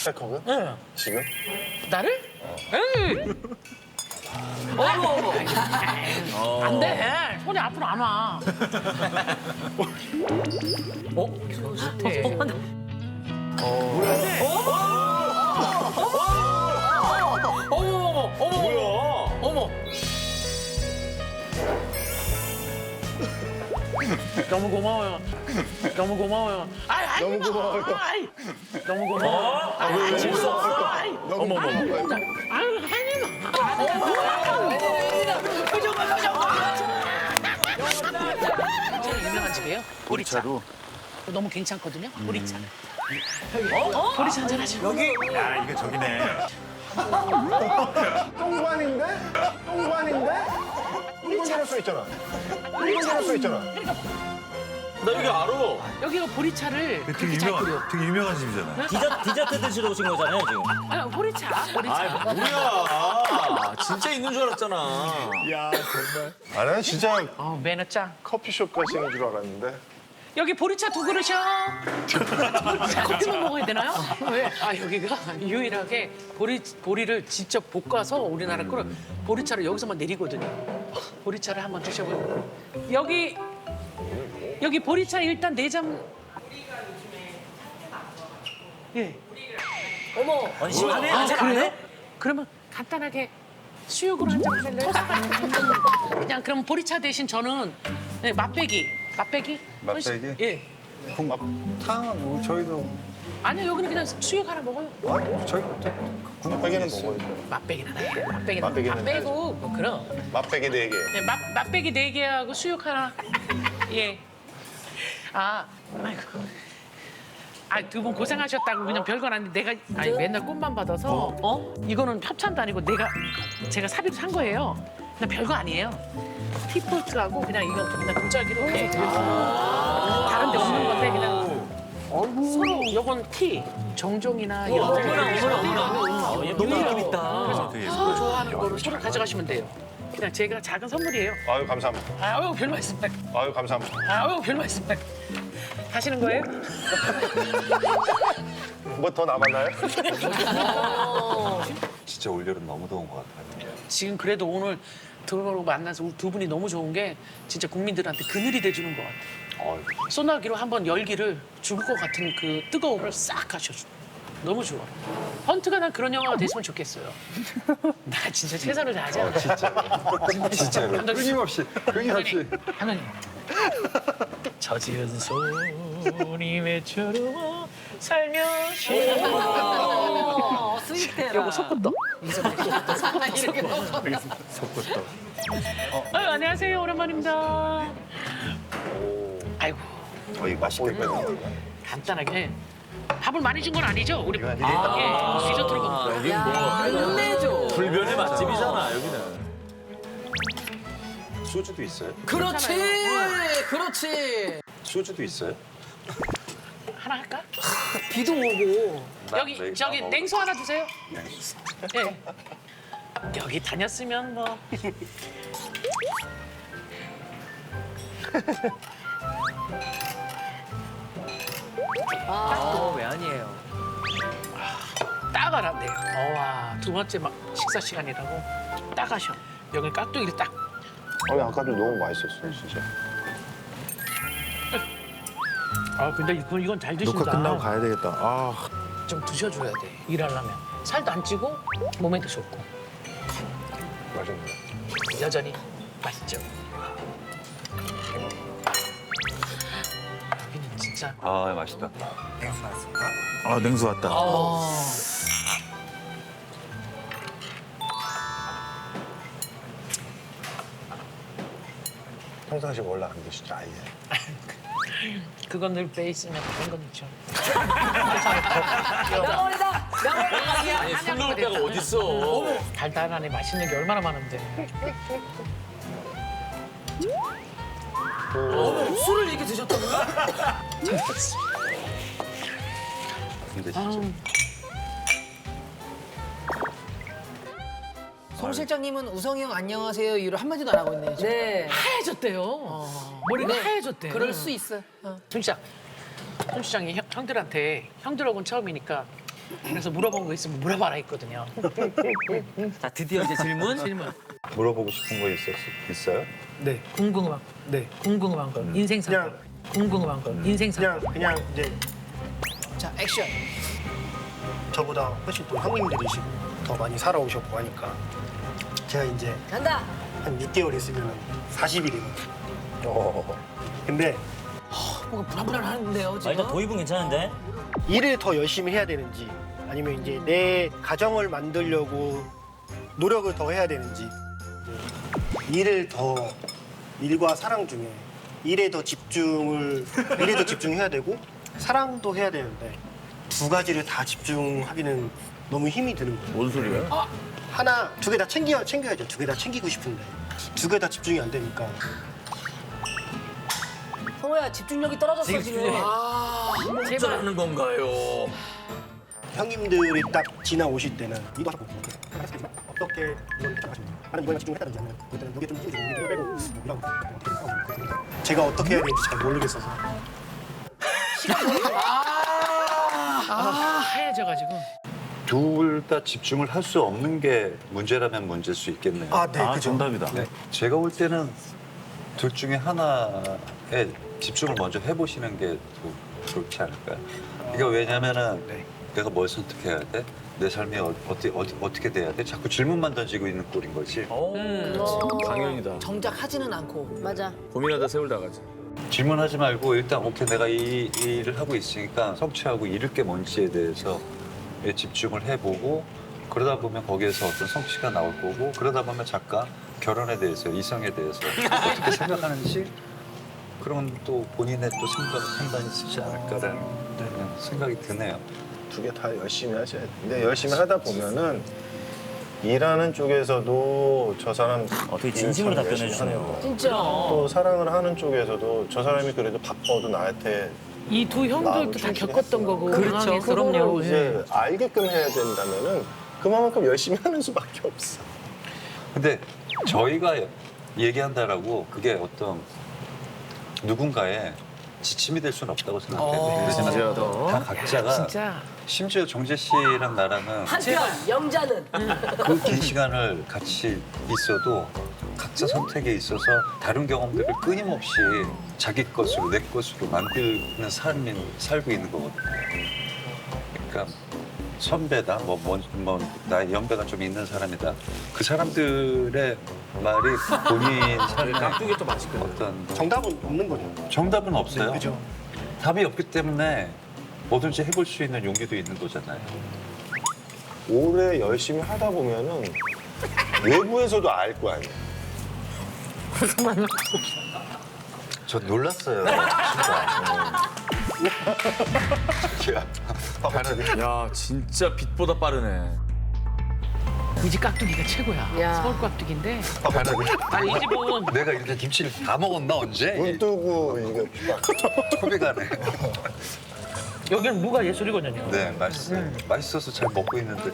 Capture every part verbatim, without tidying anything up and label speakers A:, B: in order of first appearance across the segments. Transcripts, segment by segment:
A: 백허그?
B: 응.
A: 지금?
B: 나를? 에이. 어머 어머. 안 돼. 손이 앞으로 안 와. 어? 좋대. 어머 어머 어머.
A: 뭐야?
B: 어머. 너무 고마워요. 너무 고마워요. 아이, 아이,
A: 너무 고마워요.
B: 아이, 너무 고마워. 아이, 아이, 질수 없어. 아이.
A: 너무 어머, 어머.
B: 아유, 혜진아. 표정 봐, 표정 봐. 유명한 집이에요. 보리차. 너무 괜찮거든요. 보리차. 어? 보리차 한잔 하죠.
C: 여기 야 이거 저기네.
A: 똥관인데? 똥관인데? 이건 잘할 수 있잖아. 이건 잘할 수 있잖아.
D: 나 여기 알아.
B: 여기가 보리차를
C: 되게
B: 그렇게 잘 끓여.
C: 유명한 되게 유명한 집이잖아요.
D: 디저, 디저트 드시러 오신 거잖아요, 지금.
B: 아, 보리차, 보리차.
D: 아, 뭐야. 진짜 있는 줄 알았잖아.
C: 야 정말.
A: 아, 나는 진짜
B: 어, 매너 짱.
A: 커피숍 가시는 줄 알았는데.
B: 여기 보리차 두 그릇이요. 커피만 먹어야 되나요? 왜? 아 여기가 유일하게 보리 보리를 직접 볶아서 우리나라 거를 보리차를 여기서만 내리거든요. 보리차를 한번 드셔보세요. 여기 여기 보리차 일단 네 잔. 예.
D: 어머. 아니, 시원해?
B: 아
D: 잘안
B: 그래요?
D: 해?
B: 그러면 간단하게 수육으로 한 잔 하실래요? 그냥 그럼 보리차 대신 저는 네, 맛배기. 맛배기?
A: 맛배기?
B: 예.
A: 탕, 뭐 저희도
B: 아니요 여기는 그냥 수육 하나 먹어요.
A: 아, 저희 맛배기는 먹어야죠.
B: 맛배기는 하나 해. 맛배기는
A: 맛배기는
B: 안 빼고 뭐 그럼.
A: 맛배기 네 개.
B: 네, 맛 맛배기 네 개하고 수육 하나. 예. 아, 아이고. 아, 두 분 고생하셨다고 그냥 별건 아닌데 내가 아니 맨날 꿈만 받아서 어? 이거는 협찬도 아니고 내가 제가 사비로 산 거예요. 그냥 별거 아니에요. 티포트하고 그냥 이거 그냥 도자기로 이렇게 다른 데 없는 건데 그냥 서로 요건 티, 정종이나 이런 거
D: 어머나, 어머나, 어머나. 얘 너무 느낌 있다.
B: 그래서
C: 되게
B: 서로 좋아하는 거를 서로 가져가시면 돼요. 그냥 제가 작은 선물이에요.
A: 아유, 감사합니다.
B: 아유 별 말씀.
A: 아유, 감사합니다.
B: 아유 별 말씀. 하시는 거예요?
A: 뭐 더 남았나요?
C: 진짜 올여름 너무 더운 것 같아요.
B: 지금 그래도 오늘 들어오고 만나서 두 분이 너무 좋은 게 진짜 국민들한테 그늘이 돼주는 것 같아요. 소나기로 한번 열기를 죽을 것 같은 그 뜨거움을 싹 가셔줘. 너무 좋아. 헌트가 난 그런 영화가 됐으면 좋겠어요. 나 진짜 최선을 다하자.
A: 진짜. 진짜로.
B: 감독님.
A: 끊임없이, 끊임없이.
B: 하나님. 저 지은 소리 외쳐로 살며시.
E: 어, 스윗해라.
B: 요거 속꽃도.
C: 속꽃도.
B: 아유, 안녕하세요. 오랜만입니다. 아이고,
A: 어, 이거 맛있겠다.
B: 간단하게. 밥을 많이 준 건 아니죠? 우리
A: 이거
B: 예,
A: 아니겠다.
B: 디저트로 먹는 거.
D: 여긴 뭐.
E: 끝내줘.
D: 불변의 맛집이잖아, 여기는.
A: 소주도 있어요?
E: 그렇지. 그렇지.
A: 소주도 있어요?
B: 하나 할까?
E: 비도 오고.
B: 여기
A: 네,
B: 저기
A: 다
B: 냉수 하나 주세요. 예. 여기 다녔으면 뭐.
E: 아, 왜 아니에요?
B: 따가란데요. 어와 두 번째 막 식사 시간이라고 따가셔. 여기 깍두기를 딱.
A: 아니, 아까도 너무 맛있었어요, 진짜.
B: 아 근데 이건 이건 잘 드신다.
C: 녹화 끝나고 가야 되겠다. 아.
B: 좀 드셔줘야 돼. 일하려면 살도 안 찌고 몸에도 좋고
A: 맛있네.
B: 여전히 맛있죠. 여기는 진짜.
C: 아 맛있다. 아 냉수 왔다.
B: 어.
A: 평상시 원래 안 드시죠, 아예.
B: 그건 늘 빼있으면 다른 건 있죠.
E: 명월이다. 명월이다.
D: 아니, 손 놓을 데가 어딨어.
B: 달달하네 맛있는 게 얼마나 많은데.
E: 술을 이렇게 드셨다고요?
A: 근데 진짜.
B: 아우,
F: 송 실장님은 우성이 형 안녕하세요 이후로 한마디도 안 하고 있네요. 지금.
E: 네.
B: 하얘졌대요. 머리가
F: 네.
B: 하얘졌대.
F: 그럴 수 있어. 어.
B: 손 시장, 손 시장이 형, 형들한테 형들하고는 처음이니까 그래서 물어본 거 있으면 물어봐라 했거든요.
E: 자, 드디어 이제 질문.
B: 질문.
C: 물어보고 싶은 거 있었, 있어요?
A: 네.
B: 궁금한
A: 네.
B: 궁금한 거. 인생사.
A: 그냥
B: 궁금한 거. 인생사.
A: 그냥 그냥 이제 자 액션. 저보다 훨씬 또 형님들이시고 더 많이 살아오셨고 하니까 제가 이제
E: 간다.
A: 한 육 개월 있으면 사십 일이거든요.
C: 어.
A: 근데
F: 뭔가 불안불안하는데요
G: 아,
F: 지금.
G: 일단 도입은 괜찮은데?
A: 일을 더 열심히 해야 되는지 아니면 이제 내 가정을 만들려고 노력을 더 해야 되는지 일을 더 일과 사랑 중에 일에 더 집중을 일에 더 집중해야 되고 사랑도 해야 되는데 두 가지를 다 집중하기는 너무 힘이 드는 거예요.
D: 뭔 소리야?
A: 하나 두 개 다 챙겨 챙겨야죠. 두 개 다 챙기고 싶은데 두 개 다 집중이 안 되니까
E: 성호야 집중력이 떨어졌어 지금.
D: 집중력.
E: 아,
D: 제발 하는 건가요?
A: 형님들이 딱 지나오실 때는 이거 하고 어떻게 이걸 하시면 나는 이거에 집중했다든지 아니면 그때는 여기에 좀 힘이 좀 빼고 이런 거 어떻게 하고 제가 어떻게 해야 되는지 잘 모르겠어서
B: 아, 하얘져가지고.
C: 둘 다 집중을 할 수 없는 게 문제라면 문제일 수 있겠네요.
A: 아, 네, 그죠.
C: 정답이다. 네. 제가 볼 때는 둘 중에 하나에 집중을 먼저 해보시는 게 더 좋지 않을까요? 이게 왜냐면은
A: 네.
C: 내가 뭘 선택해야 돼? 내 삶이 어, 어떻게, 어디, 어떻게 돼야 돼? 자꾸 질문만 던지고 있는 꼴인 거지.
D: 오, 강연이다.
F: 정작 하지는 않고.
E: 맞아.
D: 고민하다 세월다 가지.
C: 질문하지 말고 일단 오케이 내가 이, 이 일을 하고 있으니까 성취하고 이룰 게 뭔지에 대해서 집중을 해보고 그러다 보면 거기에서 어떤 성취가 나올 거고 그러다 보면 작가 결혼에 대해서 이성에 대해서 어떻게 생각하는지 그런 또 본인의 또 생각, 판단이 있지 않을까라는 그냥 생각이 드네요.
H: 두 개 다 열심히 하셔야 돼. 근데 열심히 하다 보면은 일하는 쪽에서도 저 사람
G: 어, 되게
H: 일을
G: 진심으로
H: 참
G: 답변해
H: 열심히
G: 주시네요.
H: 하는 거.
E: 진짜.
H: 또 사랑을 하는 쪽에서도 저 사람이 그래도 바빠도 나한테
B: 이 두 형들도 다 겪었던 거고.
F: 그렇죠.
B: 상황에서.
F: 그럼요.
H: 이제 알게끔 해야 된다면은 그만큼 열심히 하는 수밖에 없어.
C: 근데 저희가 얘기한다라고 그게 어떤 누군가의 지침이 될 수는 없다고 생각해요. 왜냐면 다 각자가
B: 진짜.
C: 심지어 정재 씨랑 나랑은
E: 한편 영자는
C: 그 긴 시간을 같이 있어도 각자 선택에 있어서 다른 경험들을 끊임없이 자기 것으로 내 것으로 만드는 삶이 살고 있는 거거든요. 그러니까 선배다, 뭐, 뭐, 뭐 나의 연배가 좀 있는 사람이다. 그 사람들의 말이 본인 삶의
D: 깍두기 또 맛있거든.
C: 어떤
A: 정답은 없는 거죠.
C: 정답은 없어요.
A: 그죠?
C: 답이 없기 때문에 뭐든지 해볼 수 있는 용기도 있는 거잖아요.
H: 오래 열심히 하다 보면은 외부에서도 알 거 아니에요.
C: 저 놀랐어요. 진짜.
D: 야, 진짜 빛보다 빠르네.
B: 우리 집 깍두기가 최고야.
E: 야.
B: 서울 깍두기인데. 아니, 이 집은
C: 내가 이렇게 김치를 다 먹었나 언제?
H: 눈 뜨고 이게
C: 코비 가네.
B: 여기는 무가 예술이거든요.
C: 네, 맛있어요. 맛있어서 잘 먹고 있는데.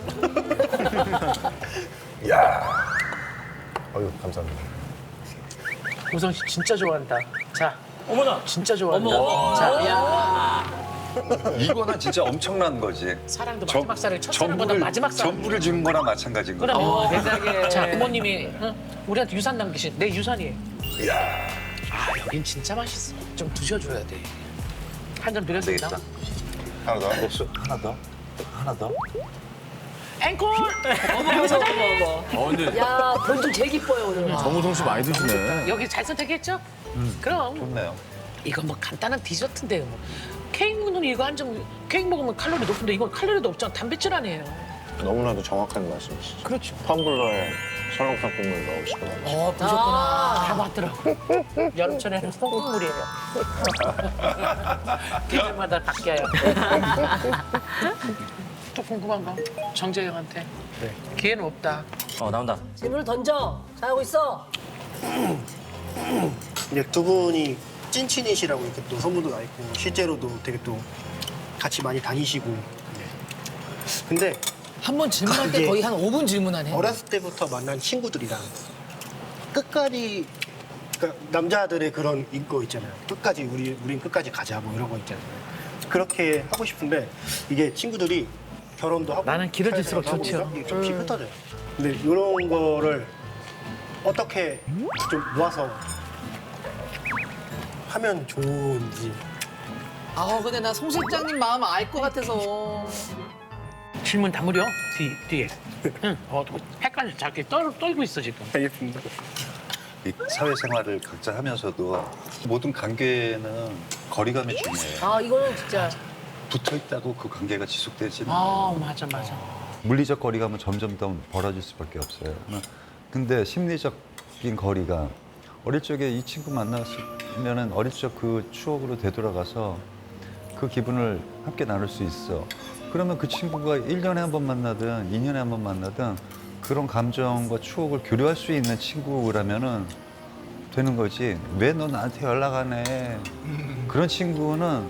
H: 아유 감사합니다.
B: 우성 씨 진짜 좋아한다. 자,
G: 어머나!
B: 진짜 좋아한다.
E: 어머.
B: 자,
C: 이거는 진짜 엄청난 거지.
B: 사랑도
C: 정-
B: 마지막 살을 첫사랑보다 마지막 살.
C: 전부를 주는 거랑 마찬가지인 거지.
B: 그럼 세상에. 자, 부모님이 응? 우리한테 유산 남기신 내 유산이에요.
C: 이야,
B: 아, 여긴 진짜 맛있어. 좀 드셔줘야 돼. 한 점 드렸습니다.
C: 되겠다.
H: 하나 더.
C: 없어? 하나 더? 하나 더?
B: 앵콜!
E: 어머 어머 어머.
D: 어, 근데
E: 야 별도 제일 기뻐요 오늘.
D: 정우성 씨 많이 드시네.
B: 여기 잘 선택했죠? 그럼
C: 좋네요.
B: 이건 뭐 간단한 디저트인데요. 뭐. 케이크는 이거 한 점 케이크 먹으면 칼로리 높은데 이건 칼로리도 없잖아. 단백질 아니에요.
H: 너무나도 정확한 말씀이시죠.
B: 그렇죠.
H: 텀블러에 설렁탕 국물 넣으시고
F: 어 보셨구나.
B: 다 맞더라고. 여름철에는 소금물이에요. 계절마다 바뀌어요. 또 궁금한 거 정재영한테.
A: 네.
B: 기회는 없다.
G: 어, 나온다.
E: 질문을 던져. 잘하고 있어.
A: 이제 두 분이 찐친이시라고 이렇게 또 소문도 나 있고 실제로도 되게 또 같이 많이 다니시고. 네. 근데
F: 한 번 질문할 때
A: 이게
F: 거의 한 오 분 질문하네.
A: 어렸을 때부터 만난 친구들이랑 끝까지 그러니까 남자들의 그런 인거 있잖아요. 끝까지 우리 우린 끝까지 가자 뭐 이런 거 있잖아요. 그렇게 하고 싶은데 이게 친구들이 결혼도 하고
B: 나는 길어질수록
A: 살 생활도
B: 좋죠.
A: 하고 이게 좀씩 흩어져요. 근데 이런 거를 어떻게 좀 모아서 하면 좋은지.
F: 아 근데 나 송 실장님 마음 알 것 같아서.
B: 질문 다 무려 뒤, 뒤에. 응, 어, 헷갈려. 자기 떨, 떨고 있어 지금.
A: 알겠습니다.
C: 이 사회생활을 각자 하면서도 모든 관계는 거리감이 중요해요.
E: 아 이거는 진짜
C: 붙어 있다고 그 관계가 지속되지는
B: 아, 맞아, 맞아.
C: 물리적 거리감은 점점 더 벌어질 수밖에 없어요. 근데 심리적인 거리감, 어릴 적에 이 친구 만났으면은 어릴 적 그 추억으로 되돌아가서 그 기분을 함께 나눌 수 있어. 그러면 그 친구가 일 년에 한 번 만나든 이 년에 한 번 만나든 그런 감정과 추억을 교류할 수 있는 친구라면은 되는 거지. 왜 너 나한테 연락 안 해? 그런 친구는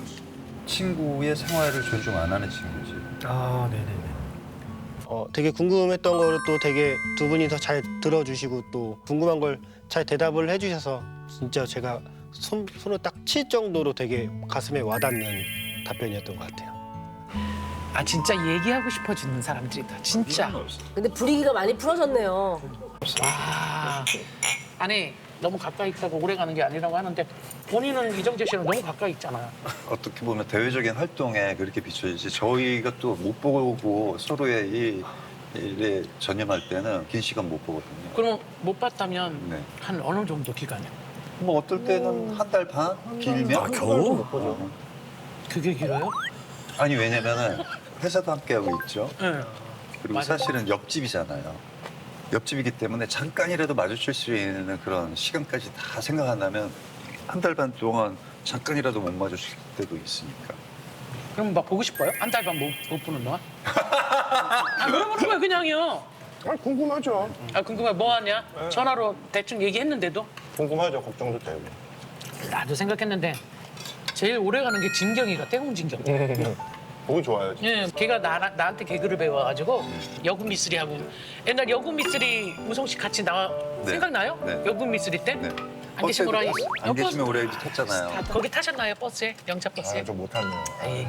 C: 친구의 생활을 존중 안 하는 친구지.
A: 아, 네네네. 어, 되게 궁금했던 거를 또 되게 두 분이서 잘 들어주시고 또 궁금한 걸 잘 대답을 해주셔서 진짜 제가 손, 손을 딱 칠 정도로 되게 가슴에 와닿는 답변이었던 것 같아요.
B: 아, 진짜 얘기하고 싶어지는 사람들이다. 진짜.
E: 근데 분위기가 많이 풀어졌네요.
B: 와. 아니, 너무 가까이 있다고 오래 가는 게 아니라고 하는데 본인은 이정재 씨랑 너무 가까이 있잖아요.
C: 어떻게 보면 대외적인 활동에 그렇게 비춰지지 저희가 또 못 보고 서로의 이 일에 전념할 때는 긴 시간 못 보거든요.
B: 그럼 못 봤다면
C: 네.
B: 한 어느 정도 기간이요?
C: 뭐 어떨 때는 한 달 반? 길면?
H: 아, 겨우?
C: 못 보죠.
B: 그게 길어요?
C: 아니 왜냐면은 회사도 함께 하고 있죠.
B: 네.
C: 그리고
B: 맞아요.
C: 사실은 옆집이잖아요. 옆집이기 때문에 잠깐이라도 마주칠 수 있는 그런 시간까지 다 생각한다면 한 달 반 동안 잠깐이라도 못 마주칠 때도 있으니까.
B: 그럼 막 보고 싶어요? 한 달 반 못 못 보는 동안? 아, 물어보는 거예요, 그냥요.
H: 아, 궁금하죠.
B: 아, 궁금해. 뭐 하냐? 전화로 대충 얘기했는데도
H: 궁금하죠. 걱정도 되고.
B: 나도 생각했는데 제일 오래 가는 게 진경이가 태웅진경.
H: 보기 좋아요. 진짜.
B: 예, 걔가 나, 나한테 개그를 배워가지고 여군 미쓰리하고 옛날 여군 미쓰리 우성 씨 같이 나와
C: 네.
B: 생각나요?
C: 네.
B: 여군 미쓰리 때?
C: 네.
B: 안 계신 거로
C: 버스에도
B: 알고
C: 안 계시면 오래 탔잖아요.
B: 다- 거기 타셨나요 버스에? 영차 버스에?
H: 아, 좀 못하네요.
B: 에이.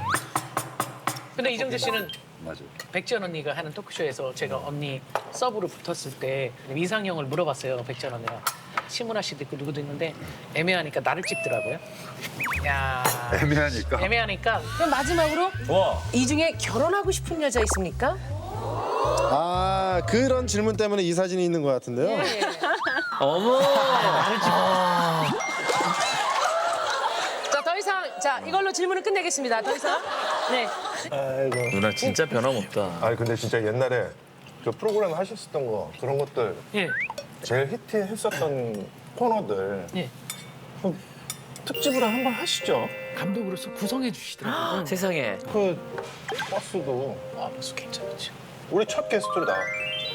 B: 근데 이정재 씨는
C: 맞아요.
B: 백지연 언니가 하는 토크쇼에서 제가 언니 서브로 붙었을 때 이상형을 물어봤어요. 백지연 언니가 심은하 씨도 있고 누구도 있는데 애매하니까 나를 찍더라고요. 야
C: 애매하니까.
B: 애매하니까
E: 그럼 마지막으로
D: 와.
E: 이 중에 결혼하고 싶은 여자 있습니까?
G: 아 그런 질문 때문에 이 사진이 있는 것 같은데요.
E: 예. 자, 더 이상 자 이걸로 질문을 끝내겠습니다. 더 이상 네.
H: 아이고.
D: 누나 진짜 변함없다.
H: 아니 근데 진짜 옛날에 그 프로그램 하셨었던 거 그런 것들
B: 예.
H: 제일 히트했었던 코너들
B: 예.
H: 그 특집으로 한번 하시죠.
B: 감독으로서 구성해 주시더라고요.
E: 세상에.
H: 그 버스도
B: 아, 벌써 괜찮지.
H: 우리 첫 게스트로 나와.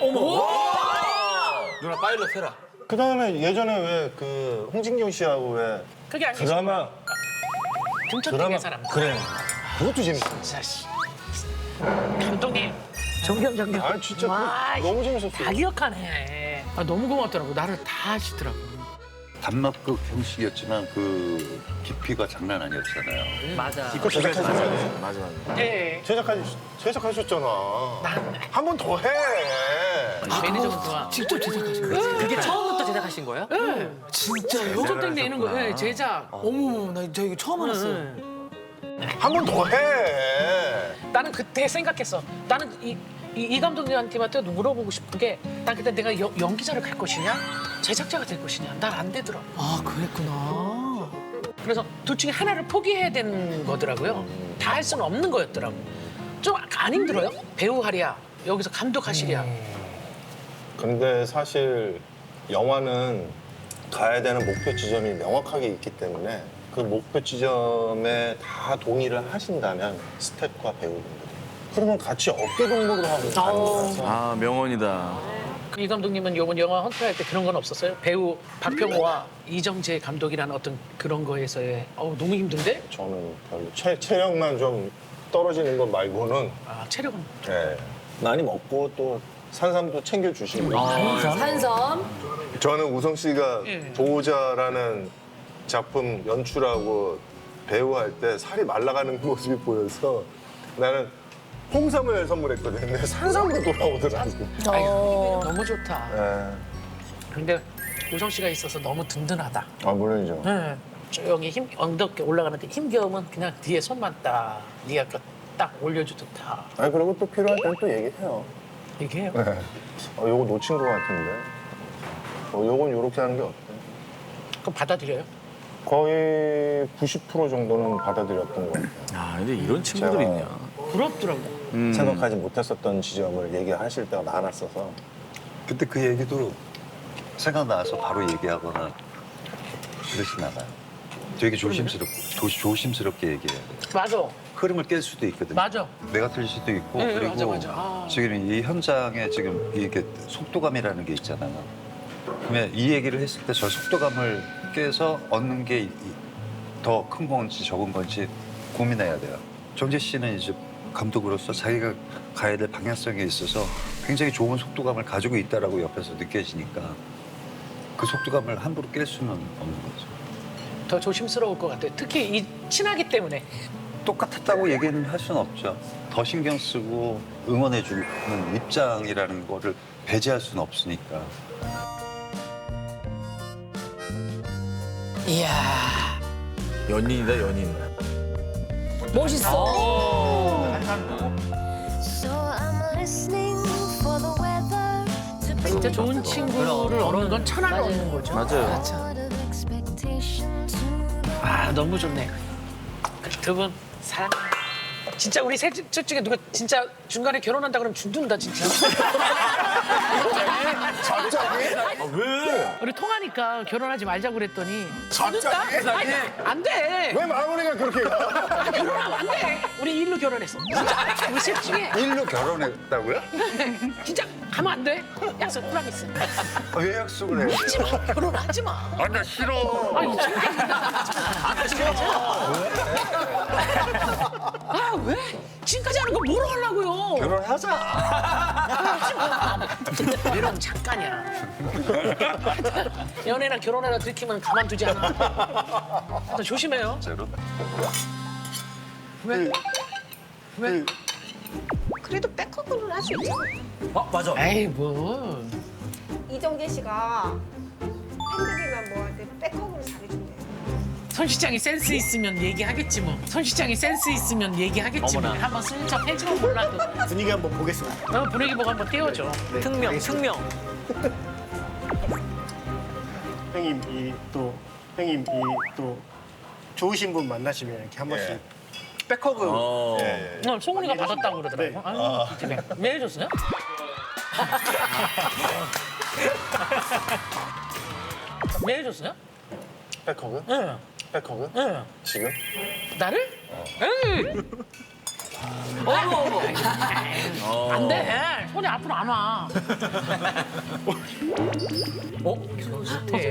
D: 누나 파일럿 해라.
H: 그 다음에 예전에 왜 그 홍진경 씨하고 왜
B: 그게 아니죠.
H: 드라마
B: 금천동의 사람.
H: 그래 그것도 재밌어.
B: 진짜 씨. 감독님. 존경 존경.
H: 아 진짜
B: 와,
H: 그거 너무 재밌었어.
B: 다 기억하네. 아, 너무 고맙더라고. 나를 다 하시더라고.
C: 단막극 형식이었지만 그 깊이가 장난 아니었잖아요.
E: 맞아.
H: 이거 제작하셨어요?
D: 맞아 맞아.
B: 네.
H: 제작하 제작하셨잖아. 한 번 더 해.
B: 매니저분 좋아.
F: 직접 제작하신 거예요?
E: 그게 처음부터 제작하신 거예요?
F: 진짜요?
B: 소속된 데 있는 거. 네, 제작.
F: 어머머 나 저 이거 처음 알았어요.
H: 한 번 더 해.
B: 나는 그때 생각했어. 나는 이, 이, 이 감독님한테 물어보고 싶은 게, 난 그때 내가 여- 연기자를 갈 것이냐, 제작자가 될 것이냐, 난 안 되더라고.
F: 아 그랬구나.
B: 그래서 둘 중에 하나를 포기해야 되는 거더라고요. 다 할 수는 없는 거였더라고. 좀 안 힘들어요? 배우 하랴, 여기서 감독 하시랴.
H: 근데 사실 영화는 가야 되는 목표 지점이 명확하게 있기 때문에 그 목표 지점에 다 동의를 하신다면 스태프와 배우분들이 그러면 같이 어깨 동무를 하고 가는 거라서
D: 아 명언이다.
B: 이 감독님은 이번 영화 헌트할 때 그런 건 없었어요? 배우 박병호와 이정재 감독이라는 어떤 그런 거에서의 어우 너무 힘든데?
H: 저는 별로 체, 체력만 좀 떨어지는 것 말고는
B: 아 체력은
H: 예, 많이 먹고 또 산삼도 챙겨주시고
E: 산섬.
H: 저는 우성 씨가
B: 예.
H: 보호자라는 작품 연출하고 배우할 때 살이 말라가는 모습이 보여서 나는 홍삼을 선물했거든요. 근데 산삼으로 돌아오더라고.
E: 어.
B: 너무 좋다.
H: 네.
B: 근데 우성 씨가 있어서 너무 든든하다.
H: 아 물론이죠.
B: 네. 조용히 힘 언덕에 올라가는데 힘겨우면 그냥 뒤에 손만 딱 네가 그딱 올려주듯 다
H: 아니 그리고 또 필요할 때는 또 얘기해요.
B: 얘기해요.
H: 네. 어, 요거 놓친 것 같은데. 어, 요건 요렇게 하는 게 어때?
B: 그럼 받아들여요?
H: 거의 구십 퍼센트 정도는 받아들였던 것 같아요.
D: 아, 근데 이런 친구들
H: 제가-
D: 있냐.
B: 부럽더라고.
D: 음.
H: 생각하지 못했었던 지점을 얘기하실 때가 많았어서.
C: 그때 그 얘기도 생각나서 바로 얘기하거나 그러진 않아요. 되게 조심스럽고 조, 조심스럽게 얘기해야 돼요.
B: 맞아.
C: 흐름을 깰 수도 있거든요.
B: 맞아.
C: 내가 틀릴 수도 있고
B: 네,
C: 그리고
B: 맞아, 맞아. 아.
C: 지금 이 현장에 지금 이게 속도감이라는 게 있잖아요. 그러면 이 얘기를 했을 때 저 속도감을 깨서 얻는 게 더 큰 건지 적은 건지 고민해야 돼요. 정재 씨는 이제 감독으로서 자기가 가야 될 방향성에 있어서 굉장히 좋은 속도감을 가지고 있다라고 옆에서 느껴지니까 그 속도감을 함부로 깰 수는 없는 거죠.
B: 더 조심스러울 것 같아요. 특히 이 친하기 때문에.
C: 똑같았다고 얘기는 할 수는 없죠. 더 신경 쓰고 응원해주는 입장이라는 거를 배제할 수는 없으니까.
F: 이야.
D: 연인이다, 연인.
E: 멋있어.
I: So I'm listening for the weather to
B: 진짜
I: bring
B: 좋은 친구를 얻는 건 천하가 없는 거죠.
D: 맞아요.
I: sort of expectation to the
B: 아 너무 좋네. 두 분 사랑. 진짜 우리 셋 중에 누가 진짜 중간에 결혼한다 그러면 죽는다 진짜.
H: 갑자기?
D: 아, 왜?
B: 우리 통하니까 결혼하지 말자고 그랬더니 죽는다? 아니, 안 돼.
H: 왜 마무리가 그렇게 가?
B: 결혼하면 안 돼. 우리 일로 결혼했어. 진짜 우리 셋 중에
C: 일로 결혼했다고요?
B: 진짜 가면 안 돼. 약속 프라미스.
C: 왜 약속을 해요?
B: 하지 마. 결혼하지 마.
C: 아, 나 싫어.
B: 아니 안 싫어. 아 왜? 지금까지 하는 거 뭐로 하려고요?
C: 결혼하자.
B: 하지 마. 이런 잠깐이야. 연애나 결혼해라 들키면 가만두지 않아. 너 조심해요.
C: 진짜로?
B: 왜? 왜?
J: 그래도 백허그는 할 수 있잖아요.
B: 에이 뭐.
J: 이정재 씨가 팬들이나 뭐 할 때 백허그를 잘해준대요.
B: 손 시장이 센스 있으면 얘기하겠지 뭐. 손 시장이 센스 있으면 얘기하겠지 뭐. 한번 슬쩍 해주면 몰라도.
A: 분위기 한번 보겠습니다.
B: 어, 분위기 보고 한번 띄워줘.
A: 네,
E: 특명,
A: 알겠습니다.
E: 특명.
A: 형님 이 또 형님 이 또 좋으신 분 만나시면 이렇게 한 번씩 백허그
D: 어.
H: 예, 예.
B: 어, 송은이가 받았다고 그러더라고.
A: 네.
B: 아유, 집에. 왜 해줬어요? 왜 해줬어요?
H: 백허그?
B: 응.
H: 백허그?
B: 응.
H: 지금?
B: 나를? 응. 어머, 어머. 안 돼. 손이 앞으로 안 와. 어? 좋대.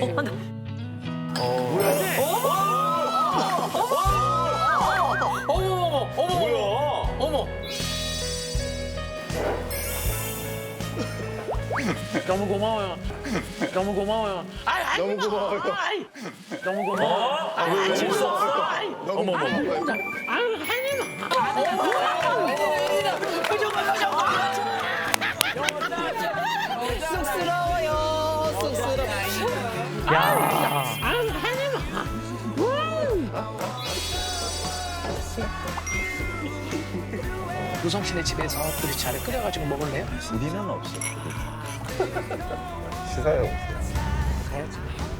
B: 어머, 어머, 어머. 뭐야? 어머. 너무 고마워요. 너무 고마워요. 아이, 아이,
H: 너무 고마워요.
B: 아이, 너무 고마워. 아, 왜, 왜, 아이,
H: 너무 어머, 어머.
B: 아유, 혜님아. 표정 봐, 표정 봐.
F: 쑥스러워요. 쑥스러워.
B: 야. 아유, 혜님아. 우성 씨네 집에서 보리차를 끓여가지고 먹을래요?
C: 우리는 없어.
H: 시사해.
B: 가야지.